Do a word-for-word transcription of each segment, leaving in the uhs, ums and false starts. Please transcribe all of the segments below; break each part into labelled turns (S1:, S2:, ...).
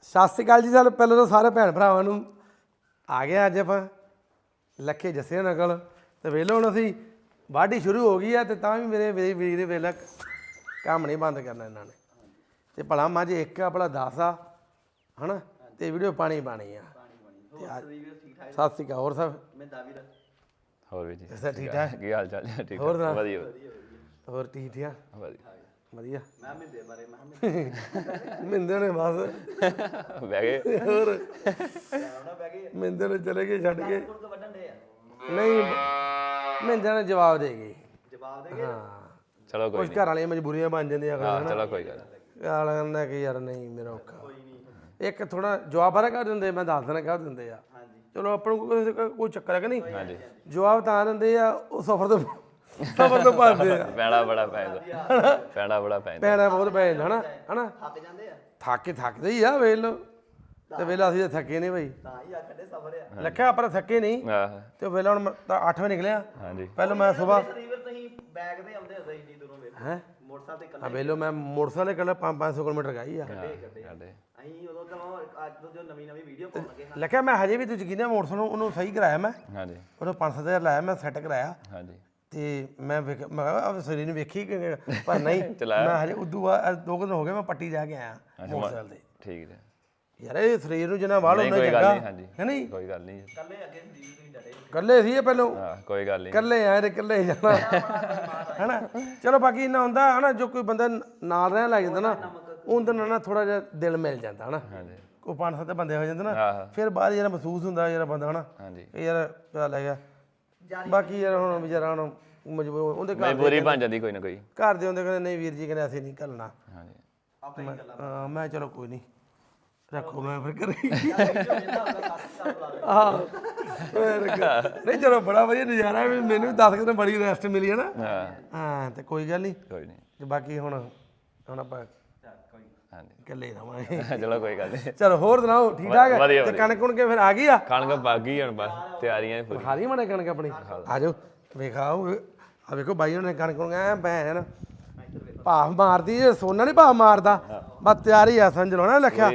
S1: ਸਤਿ ਸ਼੍ਰੀ ਅਕਾਲ ਜੀ। ਸਾਨੂੰ ਪਹਿਲਾਂ ਤਾਂ ਸਾਰੇ ਭੈਣ ਭਰਾਵਾਂ ਨੂੰ ਆ ਗਏ ਅੱਜ ਆਪਾਂ ਲੱਖੇ ਜੱਸੇ ਨਕਲ ਤੇ ਵੇਲੇ ਹੁਣ ਅਸੀਂ ਵਾਢੀ ਸ਼ੁਰੂ ਹੋ ਗਈ ਆ ਤੇ ਤਾਂ ਵੀ ਮੇਰੇ ਮੇਰੇ ਵੀਰ ਵੇਲੇ ਕੰਮ ਨਹੀਂ ਬੰਦ ਕਰਨਾ ਇਹਨਾਂ ਨੇ ਤੇ ਭਲਾ ਮੱਝ ਇੱਕ ਆ ਭਲਾ ਦਸ ਆ ਹਨਾ ਤੇ ਵੀਡੀਓ ਪਾਣੀ ਪਾਣੀ ਆ। ਸਤਿ ਸ਼੍ਰੀ ਅਕਾਲ। ਹੋਰ ਸਭ
S2: ਹੋਰ ਵੀ ਜੀ
S1: ਅੱਛਾ ਠੀਕ ਠਾਕ
S2: ਕੀ ਹਾਲ ਚਾਲ ਹੈ? ਠੀਕ
S1: ਹੋਰ
S2: ਵਧੀਆ ਵਧੀਆ
S1: ਹੋਰ ਠੀਕ ਠਾਕ
S2: ਵਧੀਆ
S1: ਵਧੀਆ ਮੈਂ ਮਿੰਦੇ ਬਾਰੇ ਮੈਂ ਮਿੰਦੇ ਨੇ ਬਸ
S2: ਬਹਿ ਗਏ
S1: ਹੋਰ ਮਿੰਦੇ ਨੇ ਚਲੇ ਗਏ ਛੱਡ ਕੇ ਨਹੀਂ ਮਿੰਦੇ ਨੇ ਜਵਾਬ ਦੇ ਗਏ ਜਵਾਬ ਦੇ ਗਏ ਹਾਂ
S2: ਚਲੋ ਕੋਈ
S1: ਕੁਝ ਘਰ ਵਾਲੀਆਂ ਮਜਬੂਰੀਆਂ ਬਣ ਜਾਂਦੀਆਂ
S2: ਹਾਂ ਚਲੋ ਕੋਈ ਗੱਲ
S1: ਅਗਲਾ ਕਹਿੰਦਾ ਕਿ ਯਾਰ ਨਹੀਂ ਮੇਰਾ ਔਖਾ ਇੱਕ ਥੋੜਾ ਜਵਾਬ ਬਾਰੇ ਕਰ ਦਿੰਦੇ ਮੈਂ ਦੱਸ ਦੇਣਾ ਕਰ ਦਿੰਦੇ ਆ ਚਲੋ ਆਪਾਂ ਨੂੰ ਕੋਈ ਚੱਕਰ ਹੈ ਕਿ ਨਹੀਂ ਜਵਾਬ ਤਾਂ ਦਿੰਦੇ ਆ ਉਹ ਸਫਰ ਤੋਂ ਸਫਰ ਤੋਂ ਭੱਜਦੇ ਆ
S2: ਪੈਣਾ ਬੜਾ ਪੈਂਦਾ ਪੈਣਾ ਬੜਾ ਪੈਂਦਾ
S1: ਪੈਣਾ ਬਹੁਤ ਪੈ ਜਾਂਦਾ ਹਨਾ ਹਨਾ ਥੱਕ ਜਾਂਦੇ ਆ ਥੱਕ ਕੇ ਥੱਕਦੇ ਹੀ ਆ ਵੇਖ ਲਓ ਤੇ ਵੇਲਾ ਅਸੀਂ ਤਾਂ ਥੱਕੇ ਨਹੀਂ ਬਈ ਤਾਂ ਹੀ ਆਖਦੇ ਸਫਰ ਆ ਲੱਖਿਆ ਆਪਾਂ ਥੱਕੇ ਨਹੀਂ
S2: ਆਹ
S1: ਤੇ ਵੇਲਾ ਹੁਣ ਅੱਠ ਵਜੇ ਨਿਕਲਿਆ
S2: ਹਾਂਜੀ
S1: ਪਹਿਲਾਂ ਮੈਂ ਸਵੇਰ
S3: ਤੁਸੀਂ ਬੈਗ ਤੇ ਆਉਂਦੇ ਹੁੰਦੇ ਇੰਨੀ ਦੂਰੋਂ ਵੇਖ
S1: ਹੈ
S3: ਮੋਟਰਸਾਈਕਲ ਤੇ
S1: ਆ ਵੇਲੋ ਮੈਂ ਮੋਟਰਸਾਈਕਲ ਕੱਲਾ ਪੰਜ ਸੌ ਕਿਲੋਮੀਟਰ ਗਈ ਆ
S2: ਸਾਡੇ
S3: ਅਸੀਂ ਉਦੋਂ ਤਾਂ ਅੱਜ ਤੋਂ ਜੋ ਨਵੀਂ ਨਵੀਂ ਵੀਡੀਓ ਪਾਉਣ ਲੱਗੇ ਹਾਂ
S1: ਲੱਖਿਆ ਮੈਂ ਹਜੇ ਵੀ ਤੁਸੀਂ ਕਿਹਨੇ ਮੋਟਰਸਾਈਕਲ ਨੂੰ ਉਹਨੂੰ ਸਹੀ ਕਰਾਇਆ ਮੈਂ
S2: ਹਾਂਜੀ
S1: ਉਹਨੂੰ ਪੰਜ ਸੱਤ ਹਜ਼ਾਰ ਲਾਇਆ ਮੈਂ ਸੈੱਟ ਕਰਾਇਆ
S2: ਹਾਂਜੀ
S1: ਤੇ ਮੈਂ ਵੇਖ ਮੈਂ ਕਿਹਾ ਸਰੀਰ ਨੂੰ ਵੇਖੀ ਕਿ ਪਰ ਨਹੀਂ ਮੈਂ ਹਜੇ ਉਦੋਂ ਬਾਅਦ ਦੋ ਕੁ ਦਿਨ ਹੋ ਗਏ ਮੈਂ ਪੱਟੀ ਜਾ ਕੇ ਆਇਆ ਮੋਟਰਸਾਈਕਲ ਤੇ
S2: ਠੀਕ ਹੈ
S1: ਯਾਰ ਇਹ ਸਰੀਰ ਨੂੰ ਜਿੰਨਾ ਵਾਲ
S2: ਨਹੀਂ
S1: ਉਹਨਾਂ
S2: ਕੋਈ ਗੱਲ
S1: ਚੰਗਾ
S2: ਨਹੀਂ ਹਾਂਜੀ
S1: ਹੈ ਨਹੀਂ
S2: ਕੋਈ ਗੱਲ ਨਹੀਂ
S3: ਕੱਲੇ ਅੱਗੇ ਸੰਦੀਪ ਤੁਸੀਂ ਡਟੇ
S1: ਇਕੱਲੇ ਸੀ ਇਹ ਪਹਿਲੋਂ
S2: ਹਾਂ ਕੋਈ ਗੱਲ ਨਹੀਂ
S1: ਇਕੱਲੇ ਆਏ ਤੇ ਇਕੱਲੇ ਜਾਣਾ ਹੈਨਾ ਚਲੋ ਬਾਕੀ ਇੰਨਾ ਹੁੰਦਾ ਹਨਾ ਜੋ ਕੋਈ ਬੰਦਾ ਨਾਲ ਰਹਿਣ ਲੱਗ ਜਾਂਦਾ ਨਾ ਉਹਦੇ ਨਾਲ ਨਾ ਥੋੜਾ ਜਿਹਾ ਦਿਲ ਮਿਲ ਜਾਂਦਾ ਹਨਾ
S2: ਹਾਂਜੀ
S1: ਕੋਈ ਪੰਜ ਸੱਤ ਬੰਦੇ ਹੋ ਜਾਂਦੇ ਨਾ
S2: ਆਹ
S1: ਫਿਰ ਬਾਅਦ ਜਿਹੜਾ ਮਹਿਸੂਸ ਹੁੰਦਾ ਜਿਹੜਾ ਬੰਦਾ ਹਨਾ
S2: ਹਾਂਜੀ
S1: ਇਹ ਯਾਰ ਚੱਲ ਹੈਗਾ ਬਾਕੀ ਯਾਰ ਹੁਣ ਵਿਚਾਰਾ ਹੁਣ ਮਜਬੂਰ ਉਹਦੇ ਘਰ
S2: ਮਜਬੂਰੀ ਬਣ ਜਾਂਦੀ ਕੋਈ ਨਾ ਕੋਈ
S1: ਘਰ ਦੇ ਹੁੰਦੇ ਕਹਿੰਦੇ ਨਹੀਂ ਵੀਰ ਜੀ ਕਹਿੰਦੇ ਅਸੀਂ ਨਹੀਂ ਘੱਲਣਾ
S2: ਹਾਂਜੀ
S3: ਆਪੇ ਹੀ ਗੱਲਾਂ
S1: ਹਾਂ ਮੈਂ ਚਲੋ ਕੋਈ ਨਹੀਂ ਰੱਖੋ ਮੈਂ ਫਿਰ ਕਰੀ
S3: ਹਾਂ
S1: ਹਾਂ ਨਹੀਂ ਚਲੋ ਬੜਾ ਵਧੀਆ ਨਜ਼ਾਰਾ ਵੀ ਮੈਨੂੰ ਦਸ ਕੁ ਦਿਨ ਬੜੀ ਰੈਸਟ ਮਿਲੀ ਹੈ ਨਾ
S2: ਹਾਂ
S1: ਹਾਂ ਤੇ ਕੋਈ ਗੱਲ ਨਹੀਂ
S2: ਕੋਈ ਨਹੀਂ
S1: ਤੇ ਬਾਕੀ ਹੁਣ ਹੁਣ ਆਪਾਂ
S2: ਹਾਂਜੀ
S1: ਇਕੱਲੇ ਰਵਾਂਗੇ
S2: ਚਲੋ ਕੋਈ ਗੱਲ ਨਹੀਂ
S1: ਚਲੋ ਹੋਰ ਸੁਣਾਓ ਠੀਕ ਠਾਕ ਹੈ
S2: ਵਧੀਆ
S1: ਤੇ ਕਣਕ ਕੁਣ ਕੇ ਫਿਰ ਆ ਗਈ ਆ
S2: ਕਣਕ ਬਾਗੀ ਹੁਣ ਬਸ ਤਿਆਰੀਆਂ ਪੂਰੀ
S1: ਖਾ ਲਈ ਮਣੇ ਕਣਕ ਆਪਣੀ ਆ ਜਾਓ ਵੇਖਾਓ ਆ ਵੇਖੋ ਬਾਈ ਉਹਨੇ ਕਣਕ ਕੁਣ ਐ ਭੈਣ ਭਾਫ ਮਾਰਦੀ ਜੇ ਸੋਨਾ ਨਹੀਂ ਭਾਫ ਮਾਰਦਾ ਬਸ ਤਿਆਰੀ ਆ ਸਮਝ ਲਓ ਨਾ ਲੱਖਿਆ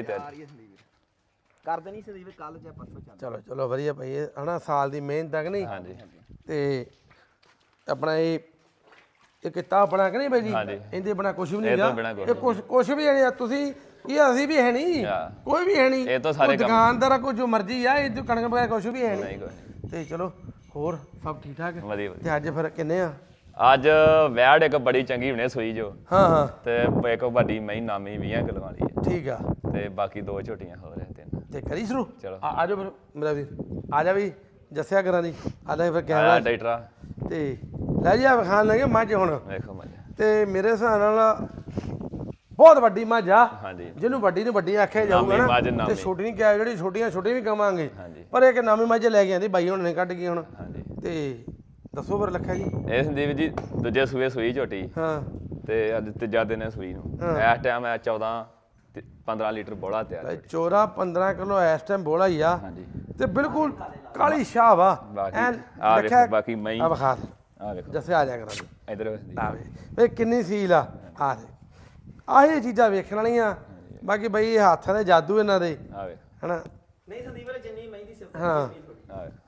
S3: ਕਰਦੇ ਨਹੀਂ ਸੰਦੀਪ ਕੱਲ ਜਾਂ ਪਰਸੋਂ ਚੱਲ
S1: ਚਲੋ ਚਲੋ ਵਧੀਆ ਭਾਈ ਇਹ ਹਨਾ ਸਾਲ ਦੀ ਮਿਹਨਤ ਤੱਕ ਨਹੀਂ
S2: ਹਾਂਜੀ
S1: ਤੇ ਆਪਣਾ ਇਹ ਇਹ ਕਿੱਤਾ ਆਪਣਾ ਕਿ ਨਹੀਂ ਬਾਈ ਜੀ
S2: ਹਾਂਜੀ।
S1: ਇਹਦੇ ਬਣਾ ਕੁਝ ਵੀ ਨਹੀਂ
S2: ਇਹ ਤੋਂ
S1: ਗਾ
S2: ਬਿਨਾਂ ਕੁਛ
S1: ਇਹ ਕੁਝ ਕੁਝ ਵੀ ਨਹੀਂ ਆ ਤੁਸੀਂ ਇਹ ਅਸੀਂ ਵੀ ਹੈ ਨਹੀਂ
S2: ਹਾਂ।
S1: ਕੋਈ ਵੀ ਹੈ ਨਹੀਂ
S2: ਇਹ ਤਾਂ ਸਾਰੇ ਕੰਮ-
S1: ਦੁਕਾਨਦਾਰ ਕੋਈ ਜੋ ਮਰਜ਼ੀ ਆ ਇਹ ਜੋ ਕਣਕ ਬਗੈਰ ਕੁਝ ਵੀ ਹੈ
S2: ਨਹੀਂ
S1: ਨਹੀਂ
S2: ਕੋਈ ਨਹੀਂ
S1: ਤੇ ਚਲੋ ਹੋਰ ਸਭ ਠੀਕ ਠਾਕ ਹੈ
S2: ਵਧੀਆ ਵਧੀਆ
S1: ਤੇ ਅੱਜ ਫਿਰ ਕਿੰਨੇ ਆ
S2: ਅੱਜ ਵੈੜ ਇੱਕ ਬੜੀ ਚੰਗੀ ਹੁਣੇ ਸੂਈ ਜੋ
S1: ਹਾਂ ਹਾਂ
S2: ਤੇ ਇੱਕ ਵੱਡੀ ਮਹੀਂ ਨਾਮੀ ਵੀਹ ਕਿਲੋ ਵਾਲੀ ਹੈ
S1: ਠੀਕ ਆ
S2: ਤੇ ਬਾਕੀ ਦੋ ਝੋਟੀਆਂ ਹੋ ਰਹੇ ਤਿੰਨ
S1: ਤੇ ਕਰੀ ਸ਼ੁਰੂ
S2: ਚਲੋ।
S1: ਆ ਆ ਜਾਓ ਫਿਰ ਮੇਰਾ ਵੀਰ ਆ ਜਾ ਵੀ ਜੱਸਿਆ ਕਰਾਂ ਦੀ ਆ ਲੈ ਫਿਰ
S2: ਆਇਆ
S1: ਕੈਮਰਾ
S2: ਡਾਈਟਰਾ
S1: ਤੇ ਲੈ ਜੀ ਆ ਵਿਖਾਣ ਲੱਗੇ ਮੱਝ ਹੁਣ
S2: ਵੇਖੋ ਮੱਝ
S1: ਤੇ ਮੇਰੇ ਹਿਸਾਬ ਨਾਲ ਬਹੁਤ ਵੱਡੀ ਮੱਝ ਆ
S2: ਹਾਂਜੀ
S1: ਜਿਹਨੂੰ ਵੱਡੀ ਨੂੰ ਵੱਡੀ ਆਖਿਆ ਜਾਊਗਾ
S2: ਨਾਮੀ ਮੱਝ,
S1: ਨਾ
S2: ਨਾਮੀ।
S1: ਤੇ ਛੋਟੀ ਨਹੀਂ ਕਿਹਾ ਜਿਹੜੀ ਛੋਟੀਆਂ ਛੋਟੀਆਂ ਵੀ ਕਵਾਂਗੇ
S2: ਹਾਂਜੀ
S1: ਪਰ ਇੱਕ ਨਵੀਂ ਮੱਝ ਲੈ ਕੇ ਆਂਦੀ ਬਾਈ ਹੁਣ ਨੇ ਕੱਢ ਗਈ ਹੁਣ
S2: ਹਾਂਜੀ
S1: ਤੇ ਦੱਸੋ ਫਿਰ ਲੱਖਿਆ ਜੀ
S2: ਇਹ ਸੰਦੀਪ ਜੀ ਦੂਜੇ ਸੂਏ ਸੂਈ ਝੋਟੀ
S1: ਹਾਂ
S2: ਤੇ ਅੱਜ ਤੀਜਾ ਦਿਨ ਹੈ ਸੂਈ ਨੂੰ ਇਸ ਟਾਈਮ ਹੈ ਚੌਦਾਂ ਤੇ ਪੰਦਰਾਂ ਲੀਟਰ ਬੋਲਾ ਤਿਆਰ
S1: ਤੇ ਚੋਰਾ ਪੰਦਰਾਂ ਕਿਲੋ ਇਸ ਟਾਈਮ ਬੋਲਾ ਹੀ ਆ
S2: ਹਾਂਜੀ
S1: ਤੇ ਬਿਲਕੁਲ ਕਾਲੀ ਸ਼ਾਹ ਵਾ
S2: ਬਾਕੀ
S1: ਐਨ
S2: ਆ
S1: ਲੱਖਿਆ
S2: ਵੇਖੋ ਬਾਕੀ ਮਹੀਂ
S1: ਆ ਵਿਖਾ
S2: ਆ ਵੇਖੋ
S1: ਜੱਸੇ ਆ ਜਾ ਕਰਾਂ ਜੀ
S2: ਇਧਰ ਸੰਦੀਪ
S1: ਆ ਵੇ ਵੇ ਕਿੰਨੀ ਸੀਲ ਆ ਆ ਦੇ ਆਹੀ ਚੀਜ਼ਾਂ ਵੇਖਣ ਵਾਲੀਆਂ ਬਾਕੀ ਬਈ ਇਹ ਹੱਥਾਂ ਦੇ ਜਾਦੂ ਇਹਨਾਂ ਦੇ
S2: ਆ ਵੇਖ
S1: ਹਨਾ
S3: ਨਹੀਂ ਸੰਦੀਪ ਵਾਲੇ ਜਿੰਨੀ ਮਹਿੰਦੀ ਸਿਫਤ
S1: ਹਾਂ
S2: ਆ ਵੇਖ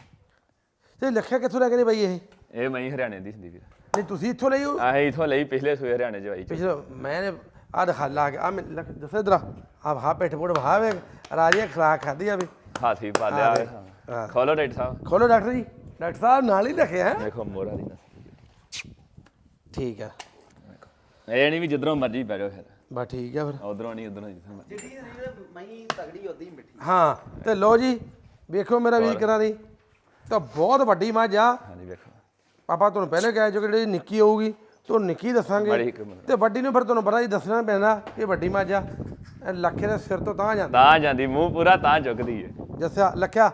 S1: ਤੇ ਲੱਖਿਆ ਕਿੱਥੋਂ ਲੈ ਕੇ ਨੇ ਬਈ ਇਹ
S2: ਇਹ ਮਹੀਂ ਹਰਿਆਣੇ ਦੀ ਸੰਦੀਪ
S1: ਨਹੀਂ ਤੁਸੀਂ ਇੱਥੋਂ ਲਈ ਹੋ
S2: ਆਹ ਇਥੋਂ ਲਈ ਪਿਛਲੇ ਸੂਏ ਹਰਿਆਣੇ ਚ ਆਈ
S1: ਪਿਛਲੇ ਮੈਂ ਆ ਦਿਖਾ ਲਾ ਕੇ ਆ ਮੈਂ ਦੱਸੇ ਇਧਰ ਆ ਹਾ ਪੇਟ ਪੋੜ ਵਹਾ ਵੇ ਰਾਜੀਆਂ ਖਰਾਕ ਖਾਦੀ ਆ ਵੀ
S2: ਹਾਥੀ ਪਾਲਿਆ
S1: ਹਾਂ।
S2: ਖੋਲੋ ਡਾਕਟਰ ਸਾਹਿਬ
S1: ਖੋਲੋ ਡਾਕਟਰ ਜੀ ਡਾਕਟਰ ਸਾਹਿਬ ਨਾਲ ਹੀ ਰੱਖਿਆ ਹੈ
S2: ਵੇਖੋ ਮੋਰਾ ਦੀ ਨਸਲ
S1: ਠੀਕ ਆ
S2: ਇਹ ਨਹੀਂ ਵੀ ਜਿੱਧਰੋਂ ਮਰਜੀ ਬਹਿ ਜਾਓ ਫਿਰ
S1: ਬਸ ਠੀਕ ਆ ਫਿਰ
S2: ਉਧਰੋਂ ਨਹੀਂ ਉਧਰੋਂ ਜਿੱਥੋਂ ਮਰਜੀ
S3: ਜਿਹੜੀ ਸੰਦੀਪ ਮਹੀਂ ਤਗੜੀ ਉਦੀ ਮਿੱਠੀ
S1: ਹਾਂ ਤੇ ਲੋ ਜੀ ਵੇਖੋ ਮੇਰਾ ਵੀਰ ਕਰਾਂ ਦੀ ਤਾਂ ਬਹੁਤ ਵੱਡੀ ਮੱਝ ਆ
S2: ਹਾਂਜੀ ਵੇਖੋ
S1: ਪਾਪਾ ਤੁਹਾਨੂੰ ਪਹਿਲੇ ਕਹਿ ਜੋ ਕਿ ਜਿਹੜੀ ਨਿੱਕੀ ਹੋਊਗੀ ਤੁਹਾਨੂੰ ਨਿੱਕੀ ਦੱਸਾਂਗੇ
S2: ਬੜੀ ਹਕਮਤ
S1: ਤੇ ਵੱਡੀ ਨੂੰ ਫਿਰ ਤੁਹਾਨੂੰ ਪਤਾ ਹੀ ਦੱਸਣਾ ਪੈਂਦਾ ਕਿ ਵੱਡੀ ਮੱਝ ਆ ਇਹ ਲੱਖੇ ਦੇ ਸਿਰ ਤੋਂ ਤਾਂ ਜਾਂਦਾ
S2: ਤਾਂ ਜਾਂਦੀ ਮੂੰਹ ਪੂਰਾ ਤਾਂ ਚੁੱਕਦੀ ਹੈ
S1: ਜੱਸਿਆ ਲੱਖਿਆ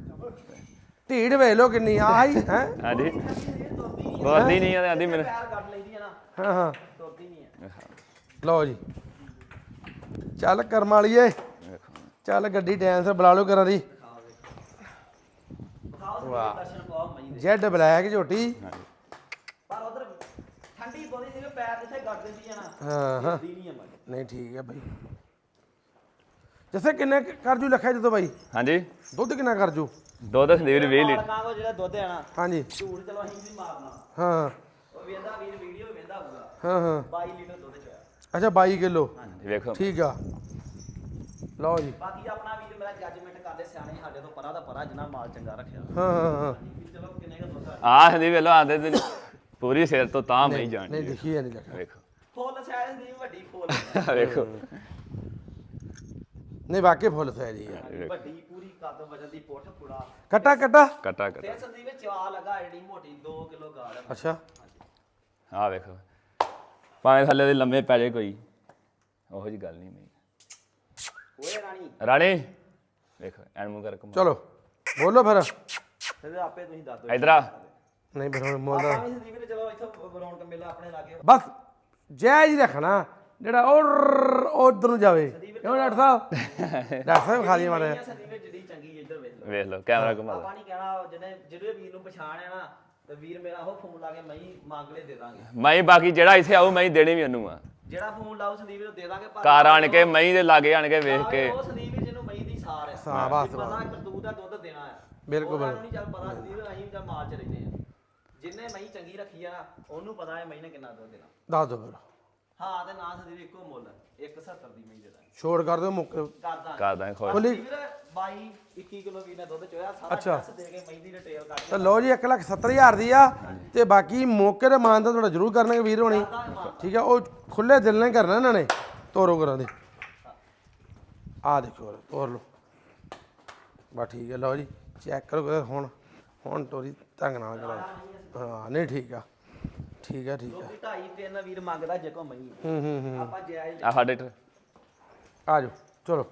S1: ਢੀੜ ਵੇਖ ਲੋ ਕਿੰਨੀ ਆਹੀ ਹੈ
S2: ਹਾਂਜੀ ਬੋਲਦੀ ਨਹੀਂ ਆ ਆਂਦੀ ਮੈਨੂੰ
S3: ਪੈਰ ਕੱਢ ਲੈਂਦੀ ਆ ਨਾ
S1: ਹਾਂ ਹਾਂ
S3: ਤੁਰਦੀ ਨਹੀਂ ਆ
S1: ਲਓ ਜੀ ਚੱਲ ਕਰਮ ਵਾਲੀਏ ਚੱਲ ਗੱਡੀ ਟਾਈਮ ਸਿਰ ਬੁਲਾ ਲਓ ਕਰਾਂ ਦੀ
S3: ਵਾਹ ਦਰਸ਼ਨ ਪਾਓ ਮਹੀਂ ਦੇ
S1: ਜੈਡ ਬਲੈਕ ਝੋਟੀ
S3: ਪਰ ਉਧਰ ਠੰਡੀ ਬੋਦੀ ਸੀ ਪੈਰ ਜਿੱਥੇ ਗੱਡ ਦਿੰਦੀ ਆ ਨਾ
S1: ਹਾਂ ਹਾਂ
S3: ਦੀ ਨਹੀਂ ਆ ਮਹੀਂ
S1: ਨਹੀਂ ਠੀਕ ਹੈ ਭਾਈ ਜੱਸੇ ਕਿੰਨੇ ਕੁ ਕਰ ਜੂ ਲੱਖਿਆ ਜਦੋਂ ਬਾਈ
S2: ਹਾਂਜੀ
S1: ਦੁੱਧ ਕਿੰਨਾ ਕਰ ਜੂ
S2: ਦੁੱਧ ਸੰਦੀਪ ਵੀਰ ਵੀਹ ਲੀਟਰ
S3: ਮਾਲਕਾਂ ਕੋ ਜਿਹੜਾ ਦੁੱਧ ਆਣਾ
S1: ਹਾਂਜੀ
S3: ਝੂਠ ਚਲੋ ਅਸੀਂ ਨਹੀਂ ਮਾਰਨਾ
S1: ਹਾਂ
S3: ਉਹ ਵੇਂਦਾ ਵੀਰ ਵੀਡੀਓ ਵੇਂਦਾ ਹੋਊਗਾ
S1: ਹਾਂ ਹਾਂ
S3: ਬਾਈ ਲੀਟਰ ਦੁੱਧ ਚੋਇਆ
S1: ਅੱਛਾ ਬਾਈ ਕਿਲੋ
S2: ਵੇਖੋ
S1: ਠੀਕ ਆ ਲਓ ਜੀ
S3: ਬਾਕੀ ਆਪਣਾ ਵੀਰ ਮੇਰਾ ਜੱਜਮੈਂਟ ਕਰਦੇ ਸਿਆਣੇ ਸਾਡੇ ਤੋਂ ਪਰਾਂ ਦਾ ਪਰਾਂ ਜਿੰਨਾ ਮਾਲ ਚੰਗਾ ਰੱਖਿਆ
S1: ਹਾਂ ਹਾਂ ਹਾਂ
S3: ਵੀ ਚਲੋ ਕਿੰਨੇ ਦਾ ਦੁੱਧ ਆ
S2: ਆ ਸੰਦੀਪ ਵੇਲੋ ਆਂਦੇ ਤੇ ਪੂਰੀ ਸਿਰ ਤੋਂ ਤਾਂ ਮੈਂ
S1: ਨਹੀਂ
S2: ਜਾਣਦੀ
S1: ਦਿਖੀ ਨਹੀਂ ਲੱਗਾ
S2: ਵੇਖੋ
S3: ਫੁੱਲ ਸਾਈਜ਼ ਦੀ ਵੱਡੀ ਫੁੱਲ
S2: ਵੇਖੋ
S1: ਨਹੀਂ ਵਾਕਈ ਫੁੱਲ ਸਾਈਜ਼ ਆ
S3: ਵੱਡੀ ਪੂਰੀ ਕੱਦ ਵਜਨ ਦੀ ਪੁੱਠ ਪੁੜਾ
S1: ਕੱਟਾ ਕੱਟਾ
S2: ਕਟਾ ਕਟਾ
S3: ਤੇ ਸੰਦੀਪ ਵਿੱਚ ਚਵਾ ਲਗਾ ਜਿਹੜੀ ਮੋਟੀ ਦੋ ਕਿਲੋ ਗਾੜ ਆ।
S1: ਅੱਛਾ
S2: ਆ ਵੇਖੋ ਭਾਵੇਂ ਥੱਲੇ ਦੇ ਲੰਮੇ ਪੈ ਜਾਏ ਕੋਈ ਉਹੋ ਜੀ ਗੱਲ ਨਹੀਂ ਮੈਂ
S3: ਓਏ ਰਾਣੀ
S2: ਰਾਣੀ ਵੇਖੋ ਐਨ ਮੂੰਹ ਕਰ ਕਮਾ
S1: ਚਲੋ ਬੋਲੋ ਫਿਰ
S3: ਤੇ ਆਪੇ ਤੁਸੀਂ ਦੱਸ ਦਿਓ
S2: ਇਧਰ ਆ
S1: ਨਹੀਂ ਫਿਰ ਹੁਣ ਮੁੱਲ ਦਾ
S3: ਆਪਾਂ ਵੀ ਸੰਦੀਪ ਨੇ ਚਲੋ ਇੱਥੋਂ ਰੌਣਕ ਮੇਲਾ ਆਪਣੇ ਲਾਗੇ
S1: ਬਸ ਜਾਇਜ਼ ਹੀ ਰੱਖਣਾ ਜਿਹੜਾ ਉਹ ਉਧਰ ਨੂੰ ਜਾਵੇ ਕਿਉਂ ਡਾਕਟਰ ਸਾਹਿਬ ਡਾਕਟਰ ਸਾਹਿਬ ਖਾ ਲਈ ਮਾਰੇ
S3: ਇਹ ਸੰਦੀਪ ਵਿੱਚ ਜਿਹੜੀ ਚੰਗੀ ਇੱਧਰ ਵੇਖ ਲਓ
S2: ਵੇਖ ਲਓ ਕੈਮਰਾ ਘੁਮਾ
S3: ਆਪਾਂ ਨਹੀਂ ਕਹਿਣਾ ਜਿਹਨੇ ਜਿਹੜੇ ਵੀਰ ਨੂੰ ਪਛਾਣਿਆ ਨਾ ਤੇ ਵੀਰ ਮੇਰਾ ਉਹ ਫੋਨ ਲਾ ਕੇ ਮੈਂ ਹੀ ਮੰਗ ਲੈ ਦੇ ਦਾਂਗੇ
S2: ਮੈਂ ਬਾਕੀ ਜਿਹੜਾ ਇੱਥੇ ਆਊ ਮੈਂ ਹੀ ਦੇਣੀ ਵੀ ਉਹਨੂੰ ਆ
S3: ਜਿਹੜਾ ਫੋਨ ਲਾਉ ਸੰਦੀਪ ਨੂੰ ਦੇ ਦਾਂਗੇ ਪਰ
S2: ਘਰ ਆਣ ਕੇ ਮੈਂ ਦੇ ਲਾਗੇ ਆਣ ਕੇ ਵੇਖ ਕੇ
S3: ਉਹ ਸੰਦੀਪ ਵੀਰ ਜਿਹਨੂੰ ਮਈ ਦੀ ਸਾਰ ਹੈ
S1: ਸਾਰ, ਬਸ,
S3: ਵੀ ਪਤਾ ਕਰਤੂਤ ਦਾ ਦੁੱਧ ਦੇਣਾ ਹੈ
S1: ਬਿਲਕੁਲ,
S3: ਉਹਨਾਂ ਨੂੰ ਨਹੀਂ ਚੱਲ ਪਤਾ ਸੰਦੀਪ ਅਸੀਂ ਤਾਂ ਮਾਲ ਚ ਰਹਿੰਦੇ ਆ ਜਿੰਨੇ ਮਈ ਚੰਗੀ ਰੱਖੀ ਆ ਨਾ ਉਹਨੂੰ ਪਤਾ ਹੈ ਮਈ ਨੇ ਕਿੰਨਾ ਦੁੱਧ ਦੇਣਾ
S1: ਦੱਸ ਦਿਓ ਫਿਰ
S3: ਹਾਂ ਤੇ ਨਾ ਸੰਦੀਪ ਇੱਕੋ ਮੁੱਲ ਇੱਕ ਸੱਤਰ ਦੀ ਮਈ ਦੇ ਦਾਂਗੇ
S1: ਛੋੜ ਕਰ ਦਿਓ ਮੁੱਕ
S3: ਕਰਦਾ
S2: ਕਰਦਾ ਖੁਸ਼
S1: ਖੁੱਲੀ
S3: ਵੀਰ ਬਾਈ ਇੱਕੀ ਕਿਲੋ ਵੀਰ ਨੇ ਦੁੱਧ ਚੋਇਆ ਸਾਰਾ
S1: ਅੱਛਾ।
S3: ਟੈਸਟ ਦੇ ਕੇ ਮਈ ਦੀ ਡਿਟੇਲ ਕੱਢ
S1: ਤਾਂ ਲਓ ਜੀ ਇੱਕ ਲੱਖ ਸੱਤਰ ਹਜ਼ਾਰ ਦੀ ਆ ਤੇ ਬਾਕੀ ਮੌਕੇ ਦੇ ਮਾਨ ਤਾਂ ਤੁਹਾਡਾ ਜ਼ਰੂਰ ਕਰਨਗੇ ਵੀਰ ਹੋਣੀ ਠੀਕ ਆ ਉਹ ਖੁੱਲੇ ਦਿਲ ਨਾਲ ਕਰਨਾ ਇਹਨਾਂ ਨੇ ਤੋਰੋ ਕਰਾਂ ਦੇ ਆ ਦੇਖੋ ਤੋਰ ਲਓ ਬਸ ਠੀਕ ਹੈ ਲਓ ਜੀ ਚੈੱਕ ਕਰੋ ਕਰਾ ਹੁਣ ਹੁਣ ਤੋਰੀ ਢੰਗ ਨਾਲ ਕਰਾਓ ਹਾਂ ਨਹੀਂ ਠੀਕ ਆ ਠੀਕ ਆ ਠੀਕ ਆ
S3: ਲੋਕੀ ਢਾਈ ਤਿੰਨ ਵੀਰ ਮੰਗਦਾ ਜੇ ਕੋ ਮਈ
S1: ਹੂੰ ਹੂੰ ਹੂੰ
S3: ਆਪਾਂ ਜਾਇਜ਼
S2: ਆ ਸਾਡੇ ਇੱਧਰ
S1: ਆ ਜਾਓ ਚਲੋ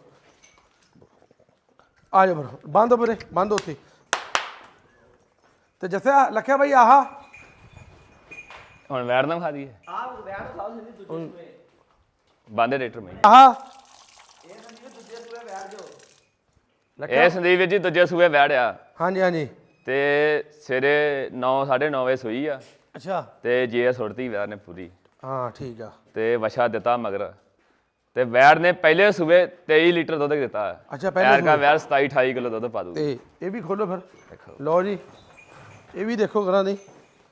S1: ਆ ਜਾਓ ਫਿਰ ਬੰਦ ਵੀਰੇ ਬੰਦ ਉੱਥੇ ਤੇ ਜੱਸੇ ਲੱਖਿਆ ਬਾਈ ਆਹ
S2: ਹੁਣ ਵੈਰ ਨਾ ਖਾ ਦਈਏ
S3: ਆਹ ਵੈਟ ਖਾਓ ਸੰਦੀਪ ਦੂਜੇ ਸੂਏ
S2: ਬੰਦੇ ਰੇਟਰ ਮੈਂ
S1: ਆਹ
S3: ਇਹ ਸੰਦੀਪ ਦੂਜੇ ਸੂਏ ਵੈਟ ਜੋ
S1: ਲੱਖਿਆ
S2: ਇਹ ਸੰਦੀਪ ਵੀਰ ਜੀ ਦੂਜੇ ਸੂਏ ਵੈੜਿਆ
S1: ਹਾਂਜੀ ਹਾਂਜੀ
S2: ਤੇ ਸਵੇਰੇ ਨੌ ਸਾਢੇ ਨੌ ਵਜੇ ਸੂਈ ਆ
S1: ਅੱਛਾ
S2: ਤੇ ਜੇ ਸੁੱਟਤੀ ਵੈਰ ਨੇ ਪੂਰੀ
S1: ਹਾਂ ਠੀਕ ਆ
S2: ਤੇ ਵਛਾ ਦਿੱਤਾ ਮਗਰ ਤੇ ਵੈੜ ਨੇ ਪਹਿਲੇ ਸੂਬੇ ਤੇਈ ਲੀਟਰ ਦੁੱਧ ਦਿੱਤਾ ਹੈ
S1: ਅੱਛਾ, ਪਹਿਲੇ
S2: ਐਰ ਕਾ
S1: ਸੂਬੇ।
S2: ਵੈੜ ਸਤਾਈ ਅਠਾਈ ਕਿਲੋ ਦੁੱਧ ਪਾ ਦੂ
S1: ਤੇ ਇਹ ਵੀ ਖੋਲੋ ਫਿਰ
S2: ਦੇਖੋ
S1: ਲਓ ਜੀ ਇਹ ਵੀ ਦੇਖੋ ਕਰਾਂ ਦੀ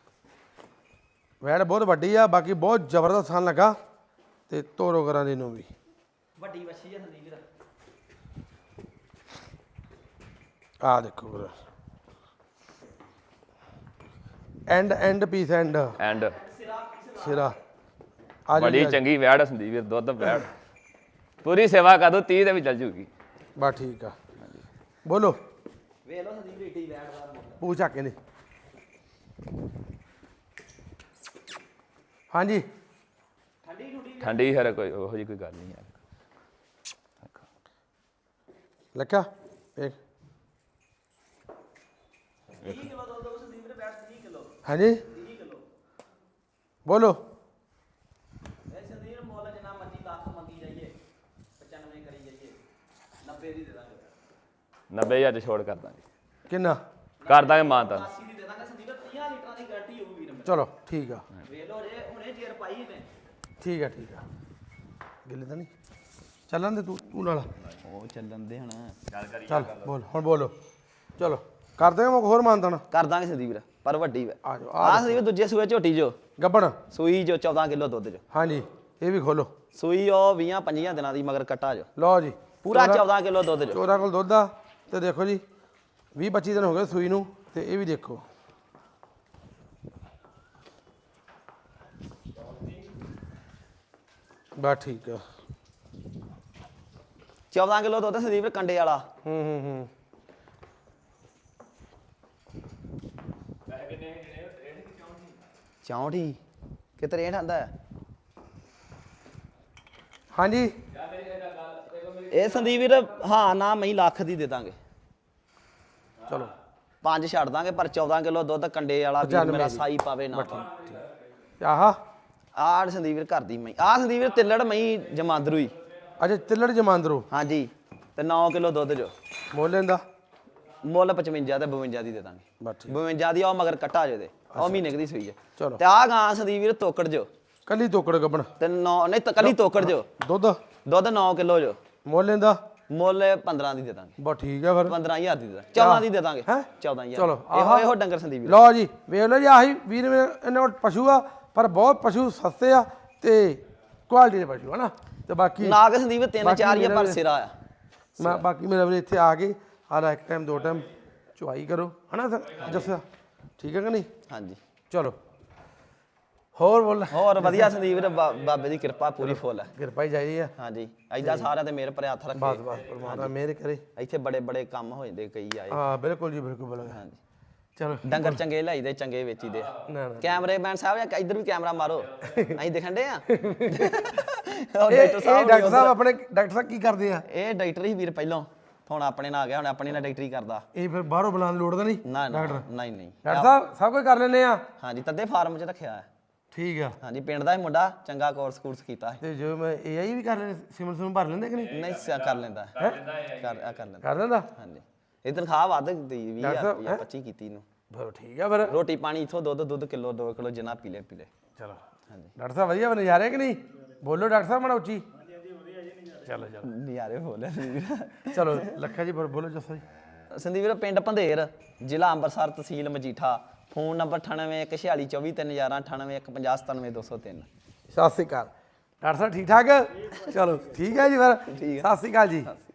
S1: ਵੈੜ ਬਹੁਤ ਵੱਡੀ ਆ ਬਾਕੀ ਬਹੁਤ ਜ਼ਬਰਦਸਤ ਸਾਨ ਲੱਗਾ ਤੇ ਤੋਰੋ ਕਰਾਂ ਦੀ ਨੂੰ ਵੀ
S3: ਵੱਡੀ ਵੱਛੀ ਹੈ ਸੰਦੀਪ ਵੀਰ
S1: ਆ ਦੇਖੋ ਕਰਾਂ end end piece end
S2: end
S1: ਸਿਰਾ ਆ
S2: ਬੜੀ
S1: ਜੀ
S2: ਚੰਗੀ ਵੈੜ ਆ ਸੰਦੀਪ ਵੀਰ ਦੁੱਧ ਵੈੜ ਪੂਰੀ ਸੇਵਾ ਕਰ ਦੋ ਤੀਹ ਤੇ ਵੀ ਚੱਲ ਜੂਗੀ
S1: ਬਸ ਠੀਕ ਆ ਬੋਲੋ
S3: ਵੇਖ ਲਓ ਸੰਦੀਪ ਏਡੀ ਵੈਟ ਦਾ ਮੁੱਲ
S1: ਪੂਛ ਆ ਕੇ ਨਹੀਂ ਹਾਂਜੀ
S3: ਠੰਡੀ ਠੁੰਡੀ
S2: ਠੰਡੀ ਹੈ ਕੋਈ ਉਹੋ ਜੀ ਕੋਈ ਗੱਲ ਨਹੀਂ ਹੈ
S1: ਲੱਖਾ ਵੇਖ
S3: ਤੀਹ ਕਿਲੋ ਦੁੱਧ ਦੋ ਸੰਦੀਪ ਵੀਰ ਵੈਟ ਤੀਹ ਕਿਲੋ
S1: ਹਾਂਜੀ
S3: ਤੀਹ ਕਿਲੋ
S1: ਬੋਲੋ
S3: ਇਹ ਸੰਦੀਪ ਮੁੱਲ ਜਿੰਨਾ ਮਰਜ਼ੀ ਲੱਖ ਮੰਗੀ ਜਾਈਏ ਪਚਾਨਵੇਂ ਕਰੀ ਜਾਈਏ ਨੱਬੇ ਦੀ ਦੇ ਦਾਂਗੇ
S2: ਨੱਬੇ ਹਜ਼ਾਰ ਚ ਛੋੜ ਕਰ ਦਾਂਗੇ
S1: ਕਿੰਨਾ
S2: ਕਰ ਦਾਂਗੇ ਮਾਂ ਤਾਂ
S3: ਅੱਸੀ ਦੀ ਦੇ ਦਾਂਗੇ ਸੰਦੀਪ ਤੀਹ ਲੀਟਰਾਂ ਦੀ ਗਾਰੰਟੀ ਹੋਊ ਵੀਰ ਮੇਰੇ
S1: ਚਲੋ ਠੀਕ ਆ
S3: ਵੇਖ ਲਓ ਜੇ ਹੁਣੇ ਜੇਰ ਪਾਈ ਨੇ
S1: ਠੀਕ ਆ ਠੀਕ ਆ ਗਿੱਲੇ ਤਾਂ ਨਹੀਂ ਚੱਲਣ ਦੇ ਤੂੰ ਤੂੰ ਨਾਲ
S3: ਉਹ ਚੱਲਣ ਦੇ ਹੁਣ
S1: ਚੱਲ ਬੋਲ ਹੁਣ ਬੋਲੋ ਚਲੋ ਕਰਦੇ ਹਾਂ ਹੋਰ ਮਾਨਤਨ
S3: ਕਰ ਦਾਂਗੇ ਸੰਦੀਪ ਵੀਰ ਪਰ ਵੱਡੀ ਵੇ
S1: ਆ ਜਾਓ
S3: ਆਹ ਸੰਦੀਪ ਦੂਜੇ ਸੂਏ ਝੋਟੀ ਜੋ
S1: ਗੱਬਣ
S3: ਸੂਈ ਜੋ ਚੌਦਾਂ ਕਿਲੋ ਦੁੱਧ ਜੋ
S1: ਹਾਂਜੀ ਇਹ ਵੀ ਖੋਲੋ
S3: ਸੂਈ ਉਹ ਵੀਹ ਪੰਜੀਆਂ ਦਿਨਾਂ ਦੀ ਮਗਰ ਕੱਟਾ ਜੋ
S1: ਲਓ ਜੀ
S3: ਪੂਰਾ ਚੌਦਾਂ ਕਿਲੋ ਦੁੱਧ ਜੋ
S1: ਚੋਰਾਂ ਕੋਲ ਦੁੱਧ ਆ ਤੇ ਦੇਖੋ ਜੀ ਵੀਹ ਪੱਚੀ ਦਿਨ ਹੋ ਗਏ ਸੂਈ ਨੂੰ ਤੇ ਇਹ ਵੀ ਦੇਖੋ ਬਸ ਠੀਕ ਆ
S3: ਚੌਦਾਂ ਕਿਲੋ ਦੁੱਧ ਸੰਦੀਪ ਵੀਰ ਕੰਡੇ ਵਾਲਾ
S1: ਹੂੰ ਹੂੰ ਹੂੰ
S3: ਚੌਂਠੀ ਕਿਤੇ ਰੇਟ ਆਂਦਾ ਹੈ
S1: ਹਾਂਜੀ
S3: ਇਹ ਸੰਦੀਪ ਵੀਰ ਹਾਂ ਨਾ ਮੈਂ ਲੱਖ ਦੀ ਦੇ ਦਾਂਗੇ
S1: ਚਲੋ
S3: ਪੰਜ ਛੱਡ ਦਾਂਗੇ ਪਰ ਚੌਦਾਂ ਕਿਲੋ ਦੁੱਧ ਕੰਡੇ ਵਾਲਾ ਵੀਰ
S1: ਪਚਾਨਵੇਂ
S3: ਮੇਰਾ
S1: ਦੀ।
S3: ਸਾਈ ਪਾਵੇ ਨਾ
S1: ਆਹਾ
S3: ਆਹ ਸੰਦੀਪ ਵੀਰ ਘਰ ਦੀ ਮਈ ਆਹ ਸੰਦੀਪ ਵੀਰ ਤਿੱਲੜ ਮਈ ਜਮਾਂਦਰੂ ਹੀ
S1: ਅੱਛਾ ਤਿੱਲੜ ਜਮਾਂਦਰੋ
S3: ਹਾਂਜੀ ਤੇ ਨੌ ਕਿਲੋ ਦੁੱਧ ਜੋ
S1: ਮੋਲ ਲੈਂਦਾ
S3: ਮੁੱਲ ਪਚਵੰਜਾ ਤੇ ਬਵੰਜਾ ਦੀ ਦੇ ਦਾਂਗੇ
S1: ਬਸ ਠੀਕ
S3: ਬਵੰਜਾ ਦੀ ਉਹ ਮਗਰ ਕੱਟਾ ਜੇ ਦੇ ਉਹ ਮਹੀਨੇ ਕੁ ਦੀ ਸੂਈ ਜੇ
S1: ਚਲੋ
S3: ਤੇ ਆਹ ਗਾਂ ਸੰਦੀਪ ਵੀਰ ਤੋਕੜ ਜੋ
S1: ਕੱਲੀ ਤੋਕੜ ਗੱਬਣ
S3: ਤੇ ਨੌ ਨਹੀਂ ਤਾਂ ਕੱਲੀ ਤੋਕੜ ਜੋ
S1: ਦੁੱਧ
S3: ਦੁੱਧ ਨੌ ਕਿਲੋ ਜੋ
S1: ਮੋਲ ਲੈਂਦਾ
S3: ਮੁੱਲ ਪੰਦਰਾਂ ਦੀ ਦੇ ਦਾਂਗੇ
S1: ਬਹੁਤ ਠੀਕ ਆ ਫਿਰ
S3: ਪੰਦਰਾਂ ਹਜ਼ਾਰ ਦੀ ਦੇ ਦਾਂਗੇ ਚੌਦਾਂ ਦੀ ਦੇ ਦਾਂਗੇ
S1: ਹੈਂ?
S3: ਚੌਦਾਂ ਹਜ਼ਾਰ
S1: ਚਲੋ,
S3: ਇਹੋ ਇਹੋ ਡੰਗਰ ਸੰਦੀਪ ਵੀਰ।
S1: ਲਓ ਜੀ ਵੇਖ ਲਓ ਜੀ ਆਹੀ ਵੀਰ ਮੇਰੇ ਇਹਨਾਂ ਕੋਲ ਪਸ਼ੂ ਆ ਪਰ ਬਹੁਤ ਪਸ਼ੂ ਸਸਤੇ ਆ ਤੇ ਕੁਆਲਿਟੀ ਦੇ ਪਸ਼ੂ ਹਨਾ ਤੇ ਬਾਕੀ
S3: ਨਾਗ ਸੰਦੀਪ ਤਿੰਨ
S1: ਬਾਕੀ
S3: ਚਾਰ ਹੀ ਆ,
S1: ਮੇਰਾ
S3: ਪਰ
S1: ਵੀ-
S3: ਸਿਰਾ ਆ
S1: ਮੈਂ ਬਾਕੀ ਮੇਰੇ ਵੀਰੇ ਇੱਥੇ ਆ ਕੇ ਹਾਲਾ ਇੱਕ ਟਾਈਮ ਦੋ ਟਾਈਮ ਚੁਆਈ ਕਰੋ ਹਨਾ ਸਰ ਜੱਸਿਆ ਠੀਕ ਹੈ ਕਿ ਨਹੀਂ
S3: ਹਾਂਜੀ
S1: ਚਲੋ ਹੋਰ ਬੋਲ
S3: ਹੋਰ ਵਧੀਆ ਸੰਦੀਪ ਵੀਰ ਬਾ- ਬਾਬੇ ਦੀ ਕਿਰਪਾ ਪੂਰੀ ਫੁੱਲ ਹੈ
S1: ਕਿਰਪਾ ਹੀ ਚਾਹੀਦੀ ਆ
S3: ਹਾਂਜੀ ਐਦਾਂ ਸਾਰਿਆਂ ਤੇ ਮੇਰ ਭਰਿਆ ਹੱਥ
S1: ਬਸ
S3: ਰੱਖੇ
S1: ਬਸ ਪਰਮਾਤਮਾ ਮਿਹਰ ਕਰੇ
S3: ਇੱਥੇ ਬੜੇ ਬੜੇ ਕੰਮ ਹੋ ਜਾਂਦੇ ਕਈ ਆਏ
S1: ਹਾਂ ਬਿਲਕੁਲ ਜੀ ਬਿਲਕੁਲ ਬਿਲਕੁਲ
S3: ਹਾਂਜੀ
S1: ਚਲੋ
S3: ਡੰਗਰ ਚੰਗੇ ਲਾਈਦੇ ਚੰਗੇ ਵੇਚੀਦੇ
S1: ਨਾ ਨਾ
S3: ਕੈਮਰੇ ਮੈਨ ਸਾਹਿਬ ਜਾਂ ਇੱਧਰ ਵੀ ਕੈਮਰਾ ਮਾਰੋ ਅਸੀਂ ਦਿਖਣ ਦੇ ਆ ਉਹ
S1: ਇਹ
S3: ਡਾਕਟਰ
S1: ਇਹ
S3: ਸਾਹਿਬ
S1: ਡਾਕਟਰ ਸਾਹਿਬ ਆਪਣੇ ਡਾਕਟਰ ਸਾਹਿਬ ਕੀ ਕਰਦੇ ਆ
S3: ਇਹ ਡਾਕਟਰ ਹੀ ਵੀਰ ਪਹਿਲੋਂ ਹੁਣ ਆਪਣੇ ਨਾਲ ਆ ਗਿਆ ਹੁਣ ਆਪਣੇ ਨਾਲ ਡਾਕਟਰੀ ਕਰਦਾ
S1: ਇਹ ਫਿਰ ਬਾਹਰੋਂ ਬੁਲਾਉਣ ਦੀ ਲੋੜ ਤਾਂ ਨਹੀਂ
S3: ਨਾ ਨਾ
S1: ਡਾਕਟਰ
S3: ਨਹੀਂ ਨਹੀਂ
S1: ਡਾਕਟਰ ਸਾਹਿਬ ਸਭ ਕੁਝ ਕਰ ਲੈਂਦੇ ਆ
S3: ਹਾਂਜੀ ਤੱਦੇ ਫਾਰਮ 'ਚ ਰੱਖਿਆ ਹੈ
S1: ਠੀਕ ਆ
S3: ਹਾਂਜੀ ਪਿੰਡ ਦਾ ਹੀ ਮੁੰਡਾ ਚੰਗਾ ਕੋਰਸ ਕੋਰਸ ਕੀਤਾ ਹੈ
S1: ਤੇ ਜੋ ਮੈਂ ਏਆਈ ਵੀ ਕਰ ਲੈਂਦੇ ਸਿਮਲ ਸਿਮਲ ਭਰ ਲੈਂਦੇ ਕਿ ਨਹੀਂ
S3: ਨਹੀਂ ਸਿਆ ਕਰ ਲੈਂਦਾ ਹੈ। ਕਰ ਆ ਕਰ ਲੈਂਦਾ
S1: ਕਰ ਲੈਂਦਾ
S3: ਹਾਂਜੀ ਇਹ ਤਨਖਾਹ ਵੱਧ ਦੀ ਵੀਹ
S1: ਡਾਕਟਰ
S3: ਹਜ਼ਾਰ
S1: ਸਾਹਿਬ,
S3: ਰੁਪਇਆ ਪੱਚੀ ਕੀਤੀ ਨੂੰ
S1: ਫਿਰ ਠੀਕ ਆ ਫਿਰ
S3: ਰੋਟੀ ਪਾਣੀ ਇਥੋਂ ਦੁੱਧ ਦੁੱਧ ਕਿਲੋ ਦੋ ਕਿਲੋ ਜਿੰਨਾ ਪੀ ਲੈ ਪੀ ਲੈ
S1: ਚਲੋ
S3: ਹਾਂਜੀ
S1: ਡਾਕਟਰ ਸਾਹਿਬ ਵਧੀਆ ਬਣੇ ਜਾ ਰਹੇ ਕਿ ਨਹੀਂ ਬੋਲੋ ਡਾਕਟਰ ਸਾਹਿਬ ਮਾੜਾ ਉੱਚੀ ਚਲੋ ਚਲੋ
S3: ਨਜ਼ਾਰੇ ਹੋ ਲੈ
S1: ਚਲੋ ਲੱਖਾ ਜੀ ਫਿਰ ਬੋਲੋ ਜੱਸਾ ਜੀ
S3: ਸੰਦੀਪ ਵੀਰ ਪਿੰਡ ਭੰਦੇਰ ਜ਼ਿਲ੍ਹਾ ਅੰਮ੍ਰਿਤਸਰ ਤਹਿਸੀਲ ਮਜੀਠਾ ਫੋਨ ਨੰਬਰ ਅਠਾਨਵੇਂ ਇੱਕ ਛਿਆਲੀ ਚੌਵੀ ਤਿੰਨ ਗਿਆਰਾਂ ਅਠਾਨਵੇਂ ਇੱਕ ਪੰਜਾਹ ਸਤਾਨਵੇਂ ਦੋ ਸੌ ਤਿੰਨ
S1: ਸਤਿ ਸ੍ਰੀ ਅਕਾਲ ਡਾਕਟਰ ਸਾਹਿਬ ਠੀਕ ਠਾਕ ਚਲੋ ਠੀਕ ਹੈ ਜੀ ਫਿਰ ਸਤਿ ਸ੍ਰੀ ਅਕਾਲ ਜੀ